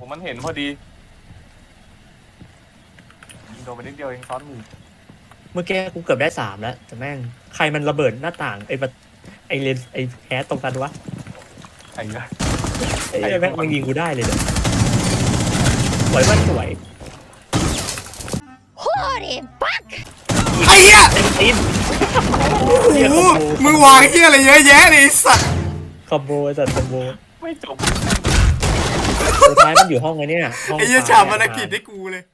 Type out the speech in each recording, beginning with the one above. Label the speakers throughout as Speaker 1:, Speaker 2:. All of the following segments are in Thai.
Speaker 1: ผมมันเห็นพอดียิงโดนไปนิดเดียวเองซ้อนมือ
Speaker 2: เมื่อกี้กูเกือบได้3แล้วแต่แม่งใครมันระเบิดหน้าต่างไอ้เลนไอ้แคสตรงกันวะ
Speaker 1: ไอ้เงี้ย
Speaker 2: ไอ้แม่งมันยิงกูได้เลยเดี๋ยวสวยมันสวย
Speaker 3: Holy fuck!
Speaker 4: ไอ้เหี้ย
Speaker 2: เต็มตีน
Speaker 4: โอ้โหมึงวางเหี้ยอะไรเยอะแยะเลยไอ้สัตว์
Speaker 2: คอมโบสัตว์คอมโบ
Speaker 1: ไม่จบ
Speaker 2: สุดท้ายมันอยู่ห้องไอ้เนี่ยห้อง
Speaker 4: ไอ้เหี้ยฉาบภารกิจให้กูเลย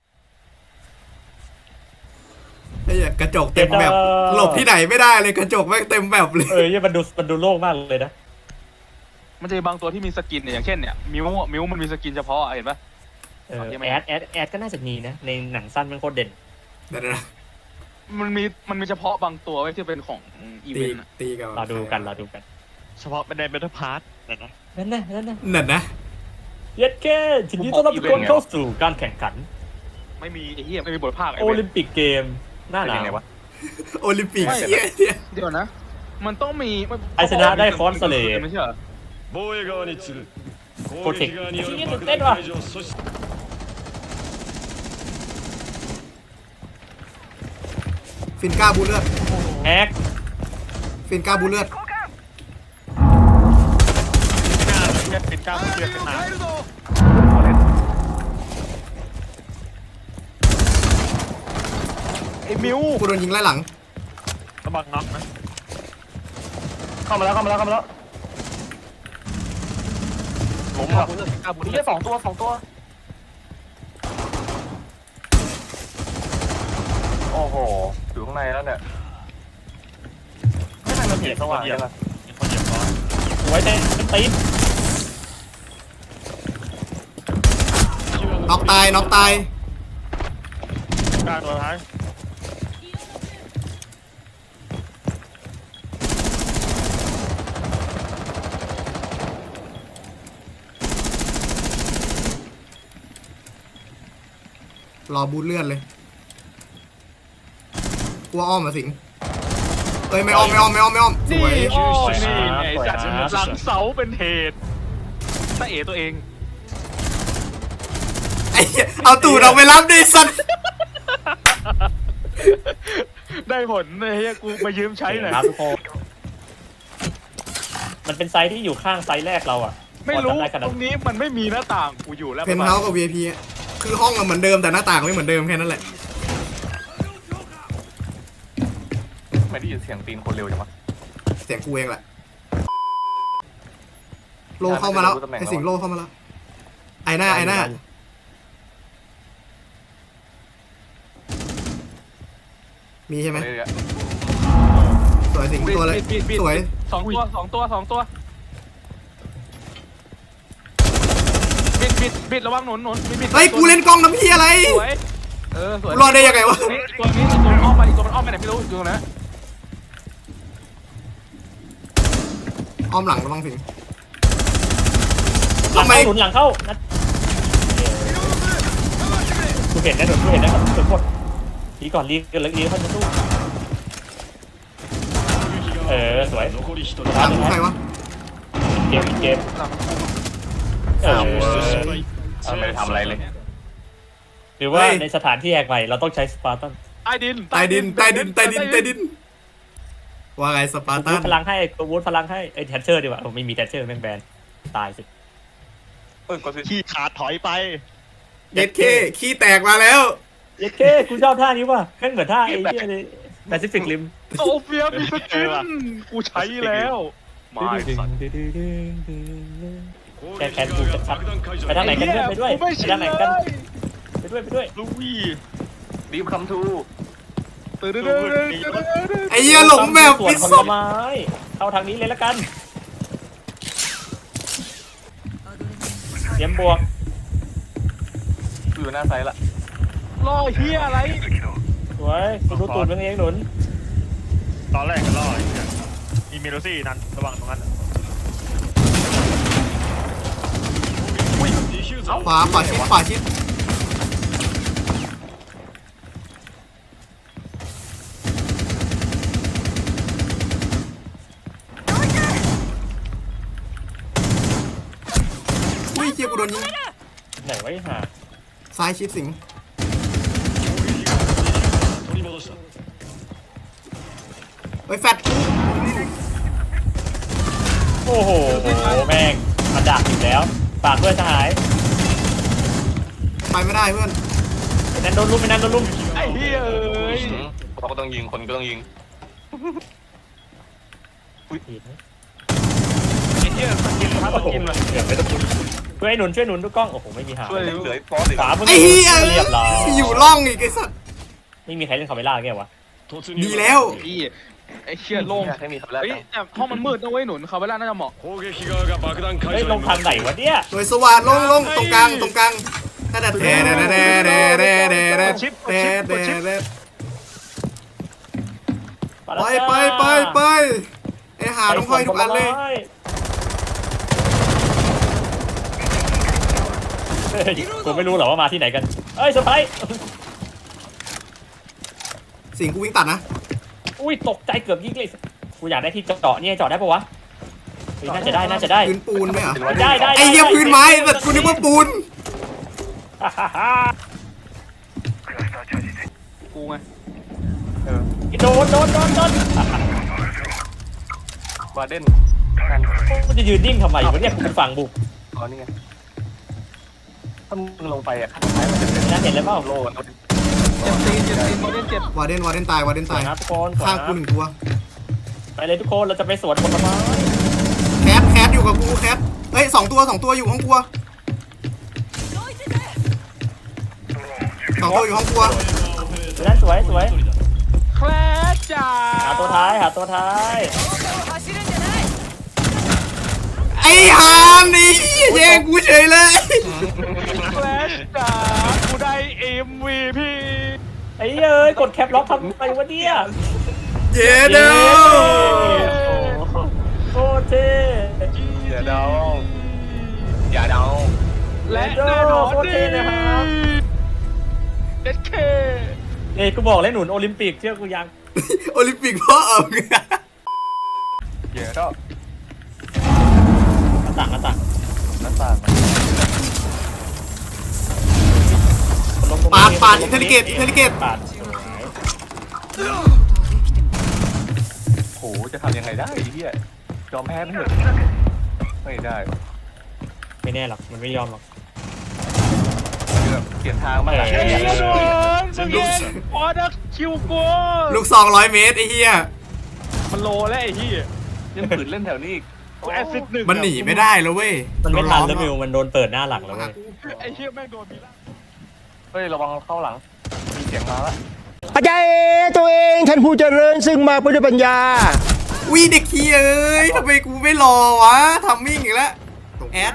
Speaker 4: ไอ้เหี้ยกระจกเต็มแบบหลบที่ไหนไม่ได้เลยกระจกแม่งเต็มแบบเลย
Speaker 2: เนี่ยมันดูโล่งมากเลยนะ
Speaker 5: มันจะมีบางตัวที่มีสกินเนี่ยอย่างเช่นเนี่ยมิวมันมีสกินเฉพาะเห็นปะ
Speaker 2: แอดก็น่าจะมีนะในหนังสั้นมันโคตรเด่น
Speaker 4: เดี๋ยวนะ
Speaker 5: มันมีเฉพาะบางตัวไว้ที่เป็นของอี
Speaker 4: ตี
Speaker 5: เวนต์อะ
Speaker 4: ตีกัน
Speaker 2: รอดูกัน
Speaker 6: เฉพาะเป็นในเบทพาร์ทนะ
Speaker 2: นั่นนะ
Speaker 4: นั่นนะ
Speaker 2: เย็ดแค่ทีนี้ต้อนรับทุกคนเข้าสู่การแข่งขัน
Speaker 5: ไม่มีไอ้เหี้ยไม่มีบทภาคไอ้
Speaker 2: โอ
Speaker 5: เว้
Speaker 2: ลิ
Speaker 5: ย
Speaker 2: มปิกเกมหน้าห
Speaker 1: เป็น
Speaker 2: นา
Speaker 1: ยังไง
Speaker 2: ว
Speaker 1: วะ
Speaker 4: โอลิมปิกเหี้ยเนี่ย
Speaker 5: เดี๋ยวนะ มันต้องมี
Speaker 2: ไอชนะได้คอนเสเล
Speaker 5: ไม่ใช่เหรอ
Speaker 6: 防衛側に次ぐ攻撃側による爆弾解除を阻止
Speaker 4: ฟินก้าบูเลือด
Speaker 2: แฮก
Speaker 4: ฟินก้าบูเลือด
Speaker 6: เป็นก้าวเชือกขึ้นมา
Speaker 5: ไอ้มิว
Speaker 4: กูโดนยิงไล่หลัง
Speaker 6: ระวังน็อกนะ
Speaker 1: เข้ามาแล้วล้มอ่ะนี่แค่สองตัวโอ้โหอยู่ข้างในแล้วเนี่ยไม่มันเห็นสว่างเลยล่ะ
Speaker 6: มีคนเหยียบล้อ
Speaker 2: ไว้เต้นตีน
Speaker 4: น็อกตายน็อกตาย
Speaker 6: กลางตัวท้าย
Speaker 4: รอบูทเลือดเลยกลัวอ้อมมาสิงเอ้ยไม่อ้อมสวย
Speaker 5: โอ้นี่ไงจัดหลังเสาเป็นเหตุตาเอตัวเอง
Speaker 4: ไอ้เหี้ยเอาตูดออกไปรับดิสัตว์
Speaker 5: ได้ผลไอ้เหี้ยกูมายืมใช้หน่อย
Speaker 2: ครับทุกคนมันเป็นไซส์ที่อยู่ข้างไซส์แรกเราอ่ะ
Speaker 5: ไม่รู้
Speaker 2: พอจำด้ขนาด
Speaker 5: ตรงนี้มันไม่มีหน้าต่างกูอยู่แล้ว
Speaker 4: เพนท์เฮาส์กับ VIP อะคือห้องอะเหมือนเดิมแต่หน้าต่างไม่เหมือนเดิมแค่นั้นแหละ
Speaker 1: ไม่ได้ยินเสียงตีนคนเร็วจังวะ
Speaker 4: เสียงกูเองแหละโลเข้ามาแล้วไอสิงโลเข้ามาแล้วไอหน้ามีใช่ไหม
Speaker 1: เรื่อย
Speaker 4: สวยสิงตัวเลยสวย
Speaker 5: สองตัวบิดระวังหนุนบิด
Speaker 4: เฮ้ยกูเล่นกล้องน้ำพี่อะไร
Speaker 5: สวยสวย
Speaker 4: รอดได้ยังไงวะ
Speaker 5: ตัวนี้ตัวอ้อมไปอีกตัวมันอ้อมไปไหนไม่รู้อยู่ตรงนั้น
Speaker 4: อ้อมหลังระวังสิง
Speaker 2: หลัง
Speaker 4: ทำไม
Speaker 2: เข้าหนุนหลังเข้านัดกูเห็นนะหนุนกูเห็นนะทุกคนรีก่อนรีเข้าจะสู้สวย
Speaker 6: 残り1人
Speaker 4: หลังใครวะ
Speaker 2: เกม
Speaker 1: ไม่ได้ทำอะไรเลย
Speaker 2: หรือว่าในสถานที่แหกใหม่เราต้องใช้สปาร์ตัน
Speaker 5: ใต้ดิน
Speaker 4: ว่าไงสปาร์ตั
Speaker 2: วูด
Speaker 4: น
Speaker 2: พลังให้วูดพลังให้แทชเชอร์ดีกว่าไม่มีแทชเชอร์แม่งแบนตายสิ
Speaker 1: ก็คือ
Speaker 6: ขี้ขาดถอยไป
Speaker 4: เย็ดเคขี้แตกมาแล้ว
Speaker 2: เย้กูชอบท่านี้ว่ะแม่งเหมือนท่าไอ้เหี้ยเลยแปซิฟิกริม
Speaker 5: โซเฟียมีสกินกูใช้แล้วมาสัตว์
Speaker 2: แกนกูชัดๆไปทางไหนกันไปด้วยไปทางไหนกันไปด้วย
Speaker 5: ลุย
Speaker 1: ดีมคัมทู
Speaker 4: ไอ้เหี้ยหลงแบบ
Speaker 2: ส่ว
Speaker 4: ปิ
Speaker 2: น
Speaker 4: ด
Speaker 2: ผ
Speaker 4: ศ
Speaker 2: ล
Speaker 4: พ
Speaker 2: ไม้เข้าทางนี้เลยละกันเตรียมบวก
Speaker 1: อยู่หน้าไซส์ละ
Speaker 5: ล่อเฮียอะไร
Speaker 2: สวยกูดูตูดมึงเองหนุน
Speaker 6: ตอนแรกก็รอดมีเมโลซี่นั้นระวังตรงนั้น
Speaker 4: ขวาชิดอุ้ยเจี๊ยบกูโดนยิง
Speaker 2: ไหนวะไอ้ห่า
Speaker 4: ซ้ายชิดสิง
Speaker 6: 取り戻した
Speaker 4: เฮ้ยแฟด
Speaker 2: โอ้โหแม่งมันดักอยู่แล้วฝากด้วยสหาย
Speaker 4: ไปไม่ได้เพื่อน
Speaker 2: ไอ้นั่นโดนลุมไอ้นั่นโดนลุม
Speaker 5: ไอ้เหี้ยเอ้ย
Speaker 1: เขาก็ต้องยิงคนก็ต้องยิง
Speaker 2: ผิดนะ
Speaker 5: ไอ้เหี้ยสกินครับส
Speaker 2: โอ้โห
Speaker 5: กินเลย
Speaker 2: เกือบไม่ต้องพูดช่วยหนุนช่วยหนุนทุกกล้องโอ้โหไม่มีหา
Speaker 1: ช่วยเหลือฟอสอีก
Speaker 2: ขวามึง
Speaker 4: ไอ้เหี้ย
Speaker 2: เรียบร้อย
Speaker 4: อยู่ร่องอีกไอ้สัตว์
Speaker 2: ไม่มีใครเล่นคาเมล่าแกวะ
Speaker 6: 突入
Speaker 4: ดีแล้ว
Speaker 5: ไอ้เหี้ยโล่ง
Speaker 1: อยากให้มีคำแรก
Speaker 5: เฮ้ยแต่ห้องมันมืดนะเว้ยหนุนเขาเวลาน่าจะเหมาะ
Speaker 6: 攻撃側が爆弾解
Speaker 2: เฮ้ย
Speaker 6: 除
Speaker 2: ล
Speaker 6: に
Speaker 2: งทางไหนวะเนี่ย
Speaker 4: โดยสว่านลงตรงกลางถ้าแต่แท้ไปไอ้หาต้องคอยทุกอันเลย
Speaker 2: เฮ้ยกูไม่รู้หรอว่ามาที่ไหนกันเอ้ยเซอร์ไพรส์
Speaker 4: สิงกูวิ่งตัดนะ
Speaker 2: อุ้ยตกใจเกือบยิงเลยกูอยากได้ที่เจาะเนี่ยเจาะได้ปะวะเฮ้ยน่าจะได้น่าจะได้
Speaker 4: พื้นปูนไหมอ่ะ
Speaker 2: ได้
Speaker 4: ไอ้เหี้ยพื้นไม้แต่กูนึกว่าปูน
Speaker 5: กูไง
Speaker 2: โดน
Speaker 1: วาเดน
Speaker 2: มันจะยืนนิ่งทำไมวะเนี่ยกูฝั่งบุก
Speaker 1: อ๋อนี่ไงถ้ามึงลงไปอ่ะข้างซ้ายมันจะเป็น
Speaker 2: น่าเห็นแล้วเปล่า
Speaker 1: โล่
Speaker 5: เจ็บตีนเขาเล่นเจ็บ
Speaker 4: วาเดนตายวาเดน
Speaker 2: สว
Speaker 4: ตาย ย
Speaker 2: นะทุกคน
Speaker 4: ข้างกูหนึ่งตัว
Speaker 2: ไปเลยทุกคนเราจะไปสวนผลไม้
Speaker 4: แคทอยู่กับกูแคทเฮ้ย2 ตัวอยู่ห้องครัว2 ตัวอยู่ห้องครัว
Speaker 2: นั่นสวย
Speaker 5: แคลชจ้า
Speaker 2: หาตัวท้าย
Speaker 4: ไอ้ฮานนี่แย่งกูเฉยเลย
Speaker 5: แคลชจ้ากูได้ MVP
Speaker 2: ไอ้เอ้ยกดแคปล็อกทำไมวะเนี่ย
Speaker 4: เย้เด้อ
Speaker 2: โคตรเท่
Speaker 1: อย่าเดาอย่าเดา
Speaker 5: และแน่นอน
Speaker 2: โคตรเท่เลยครับ
Speaker 5: เด็ดเค
Speaker 2: เอ้ยกูบอกเลยหนุนโอลิมปิกเชื่อกูยัง
Speaker 4: โอลิมปิกพ่อเอา
Speaker 1: อย่าเดา
Speaker 2: หน้าต่าง
Speaker 1: หน้าต่าง
Speaker 4: ปาดอินเทลิเกต
Speaker 2: ปาด
Speaker 1: โหจะทำยังไงได้ไอ้เหี้ยยอมแพ้ไม่เถอะไม่ได้
Speaker 2: ไม่แน่หรอกมันไม่ยอมหรอก
Speaker 1: แบบเปลี่ยนทางมาก
Speaker 2: เอ
Speaker 5: เฮ้ย
Speaker 2: อ
Speaker 5: โดนเมื่อกี้ออเดอร์คิวกู
Speaker 4: ลูก200 เมตรไอ้เหี้ย
Speaker 5: มันโลแล้วไอ้ที่
Speaker 1: ยังฝืนเล่นแถวนี้อีก
Speaker 5: แอซิดหนึ่ง
Speaker 4: มันหนีไม่ได้แล้วเว้ย
Speaker 2: มันไม่ทันแล้วมิวมันโดนเปิดหน้าหลังแล้วเว้ย
Speaker 5: ไอ้เหี้ยแม่งโดนมีล่า
Speaker 1: เฮ้ยระวังเข้าหลังมีเสียงมาละ
Speaker 3: อาจารย์ตัวเองท่านผู้เจริญซึ่งมาเพื่อด้วยปัญญา
Speaker 4: อุ้ยเด็กขี้เอ้ยทำไมกูไม่รอวะทำมิ่งอีกแล้วแอด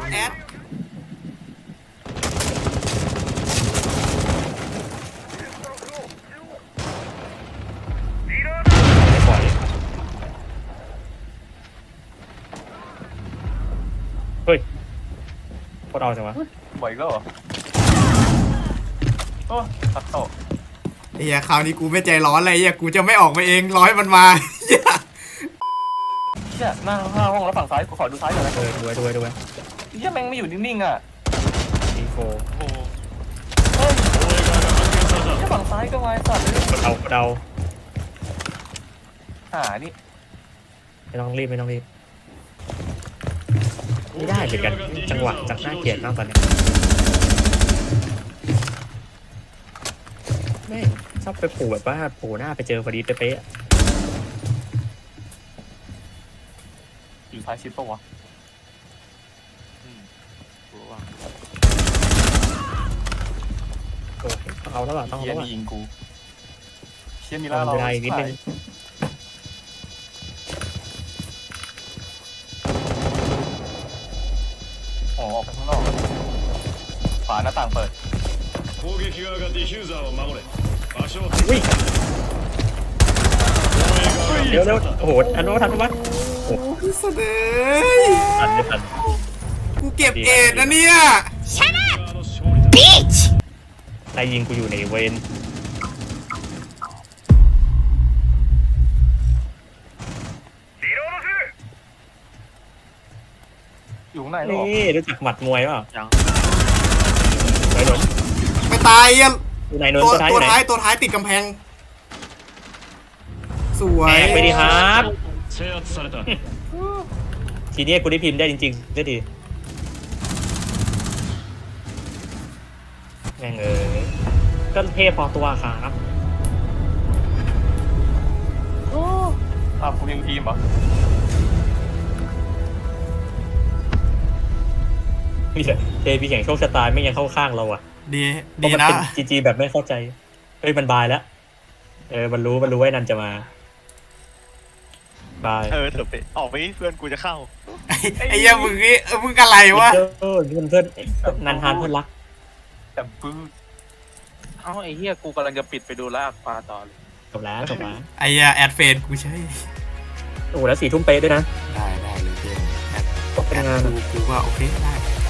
Speaker 2: เฮ้ยโคตรเอาจังวะ
Speaker 1: บ่อยอีก็เหรอโอ้ตัดโตะ
Speaker 4: ไอ้เหี้ยคราวนี้กูไม่ใจร้อนเลยไอ้เหี้ยกูจะไม่ออกมาเองร้อยมันมาเหี้ย
Speaker 1: เหี้ยหน้าห้องแล้วฝั่งซ้ายกูขอดูซ้ายหน่อยนะ
Speaker 2: ดูไว้
Speaker 1: เหี้ยแม่งไม่อยู่นิ่งๆอ่ะ
Speaker 2: อีโฟ
Speaker 1: เฮ้ยเหี้ยฝั่งซ้ายก็ไว้สัตว์เลย
Speaker 2: กดเอา
Speaker 1: นี่
Speaker 2: ไม่ต้องรีบไม่ได้เหมือนกันจังหวะจากหน้าเกลียดมากตอนนี้แม่งชอบไปผูแบบว่าผูหน้าไปเจอพอดีเป๊ะ
Speaker 1: อยู่ซ้ายชิดปะวะ
Speaker 2: โอ้ต้องเอาแล้วต้องเอา
Speaker 1: เฮีย
Speaker 2: แล้ว
Speaker 1: นี่ยิงกูเฮียมี
Speaker 2: ต้
Speaker 1: ล่า
Speaker 2: อง
Speaker 1: เรา
Speaker 2: เวลาอีกนิดนึง
Speaker 1: อ๋อออกไปข้างนอกฝาหน้าต่างเปิด
Speaker 6: 攻撃側がディフューザーを守れ場所を
Speaker 2: อุ้ยเร็วโอ้โหทันปะ
Speaker 4: โอ้ยเสดย
Speaker 2: ทันไม่ทัน
Speaker 4: กูเก็บเอ็ดนะเนี่ย
Speaker 6: 側の勝利だ
Speaker 2: นายยิงกูอยู่ในเวน
Speaker 1: อยู่ข้างในหรอ
Speaker 2: นี่รู้จักหมัดมวยเปล่า
Speaker 5: ยัง
Speaker 2: ไหนหนน
Speaker 4: ไม่ตายอ่ะ
Speaker 2: อยู่ไหนหนน
Speaker 4: ตัว
Speaker 2: ตัวท้ายอ
Speaker 4: ตัว
Speaker 2: ยู่ไหน
Speaker 4: ท้ายติดกำแพง สวย
Speaker 2: แตกไปดิครับ
Speaker 6: 制圧された
Speaker 2: ทีนี้กูได้พิมพ์ได้จริงๆได้ดีแม่งก็เทพพอตัวครับ
Speaker 1: อ้าวคุณยังทีมเหรอ
Speaker 2: นี่แหละเทพีแข่งโชคชะตาไม่ยังเข้าข้างเราอ่ะ
Speaker 4: ดี
Speaker 2: เพ
Speaker 4: ดี
Speaker 2: ราะมัน
Speaker 4: นะ
Speaker 2: เป็นจีแบบไม่เข้าใจเฮ้ยมันบายแล้วมันรู้ว่านันจะมาบาย
Speaker 6: เถอะไปออกไปเพื่อนกูจะเข้า
Speaker 4: ไอ้เหี้ยมึงนี่มึงอะไรวะ
Speaker 2: นี่มันเพื่อนนันทานเพื่อนรัก
Speaker 1: แต่ปื้ด
Speaker 5: เอ้าไอ้เหี้ยกูกำลังจะปิดไปดูลากปลาต่อเลย
Speaker 2: จบแล้ว
Speaker 4: ไอ้เหี้ยแอดเฟนกูใช่
Speaker 2: โอ้แล้ว4 ทุ่มเป๊ะด้วยนะ
Speaker 4: ได้เลยเพื่อนแอด
Speaker 2: เป็นงาน
Speaker 4: กูว่าโอเคได้